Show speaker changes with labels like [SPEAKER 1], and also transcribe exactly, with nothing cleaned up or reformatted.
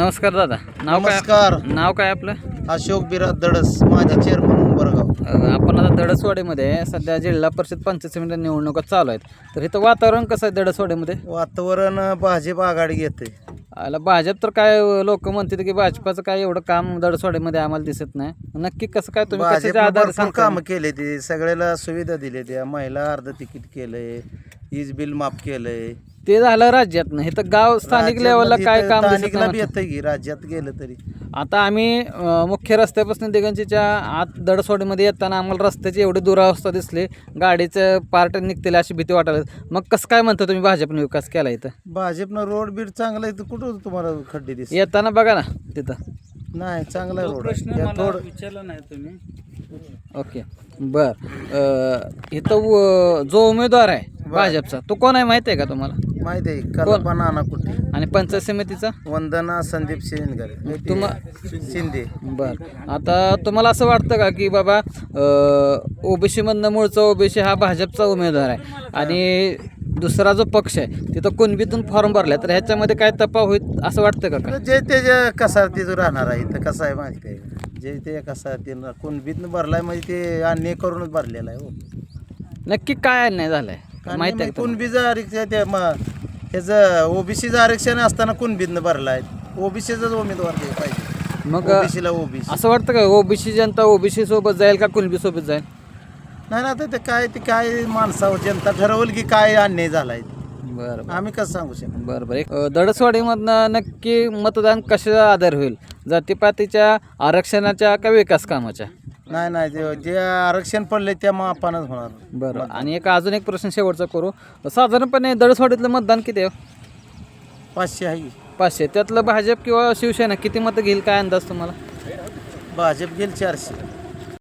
[SPEAKER 1] नमस्कार दादा. नाव काय?
[SPEAKER 2] नमस्कार.
[SPEAKER 1] नाव काय आपलं?
[SPEAKER 2] अशोक बिराद दडस, माझा चेअरमन उंबरगाव.
[SPEAKER 1] अ, आपण आता दडसवाडीमध्ये सध्या जिल्हा परिषद पंचायत समिती निवडणुका चालू आहेत. तर इथं वातावरण कसं आहे दडसवाडीमध्ये?
[SPEAKER 2] वातावरण भाजप आघाडी घेते.
[SPEAKER 1] आला भाजप तर काय लोक म्हणतात की भाजपाचं काय एवढं काम दडसवाडीमध्ये आम्हाला दिसत नाही. नक्की कसं काय तुम्ही
[SPEAKER 2] भाजप
[SPEAKER 1] कशाच्या आधारे
[SPEAKER 2] भरपूर
[SPEAKER 1] सांगता?
[SPEAKER 2] कामं केले ते, सगळ्याला सुविधा दिल्या त्या, महिला अर्ध तिकीट केलंय, वीज बिल माफ केलंय.
[SPEAKER 1] ते झालं राज्यातनं. इथं गाव स्थानिक लेवलला काय काम दिसत
[SPEAKER 2] स्थानिकला बी
[SPEAKER 1] नाही?
[SPEAKER 2] येतं की राज्यात गेलं तरी.
[SPEAKER 1] आता आम्ही अ, मुख्य रस्त्यापासून दिगंजीच्या आत दडसवाडीमध्ये येताना आम्हाला रस्त्याची एवढी दुरावस्था दिसली, गाडीचं पार्ट निघतील अशी भीती वाटायला. मग कसं काय म्हणता तुम्ही भाजपने विकास केला इथं?
[SPEAKER 2] भाजपनं रोड बीड चांगला आहे तर कुठं तुम्हाला खड्डे दिसत
[SPEAKER 1] येताना बघा ना तिथं.
[SPEAKER 2] नाही, चांगला रोड आहे. थोडं
[SPEAKER 1] विचारलं नाही तुम्ही. ओके बर. अ, इथं व- जो उमेदवार आहे भाजपचा तो कोण आहे माहिती आहे का तुम्हाला?
[SPEAKER 2] माहिती आहे, कल्पना नाना कुठे,
[SPEAKER 1] आणि पंचायत समितीचा?
[SPEAKER 2] वंदना संदीप शिंदे
[SPEAKER 1] तुम्हा
[SPEAKER 2] शिंदे.
[SPEAKER 1] बर. आता तुम्हाला असं वाटतं का की बाबा ओबीसी मधनं मूळचा ओबीसी हा भाजपचा उमेदवार आहे आणि दुसरा जो पक्ष आहे तिथं कुणबीतून फॉर्म भरलाय, तर ह्याच्यामध्ये काय तपा होईल असं वाटतं का काय?
[SPEAKER 2] जे ते जे कसा तिथं राहणार आहे, इथं कसं आहे माहिती आहे, जे ते कसा ते कुणबीतनं भरलाय म्हणजे ते अन्याय करूनच भरलेला आहे. हो,
[SPEAKER 1] नक्की काय अन्याय झालाय माहिती आहे का तुम्हाला?
[SPEAKER 2] कुणबीचं आरक्षण ते मग ह्याचं ओबीसीचं आरक्षण असताना कुणबीतनं भरलाय, ओबीसीचाच उमेदवार ते पाहिजे.
[SPEAKER 1] मग
[SPEAKER 2] ओबीसीला ओबीसी
[SPEAKER 1] असं वाटतं का ओबीसी जनता ओबीसी सोबत जाईल का कुणबी सोबत जाईल?
[SPEAKER 2] नाही ना, आता ते काय ते काय माणसावर जनता ठरवल की काय अन्याय झालाय,
[SPEAKER 1] बरं
[SPEAKER 2] आम्ही कसं सांगू शकतो.
[SPEAKER 1] बरं बरं. एक, अ, दडसवाडीमधनं नक्की मतदान कशा आधार होईल? जातीपातीच्या, आरक्षणाच्या का विकास कामाच्या?
[SPEAKER 2] नाही नाही, जे जे आरक्षण पडले त्या मापानच होणार.
[SPEAKER 1] बरं. आणि एक अजून एक प्रश्न शेवटचा करू. साधारणपणे दडसवाडीतलं मतदान किती आहे?
[SPEAKER 2] पाचशे आहे.
[SPEAKER 1] पाचशे. त्यातलं भाजप किंवा शिवसेना किती मतं घेईल काय अंदाज तुम्हाला?
[SPEAKER 2] भाजप गेल चारशे.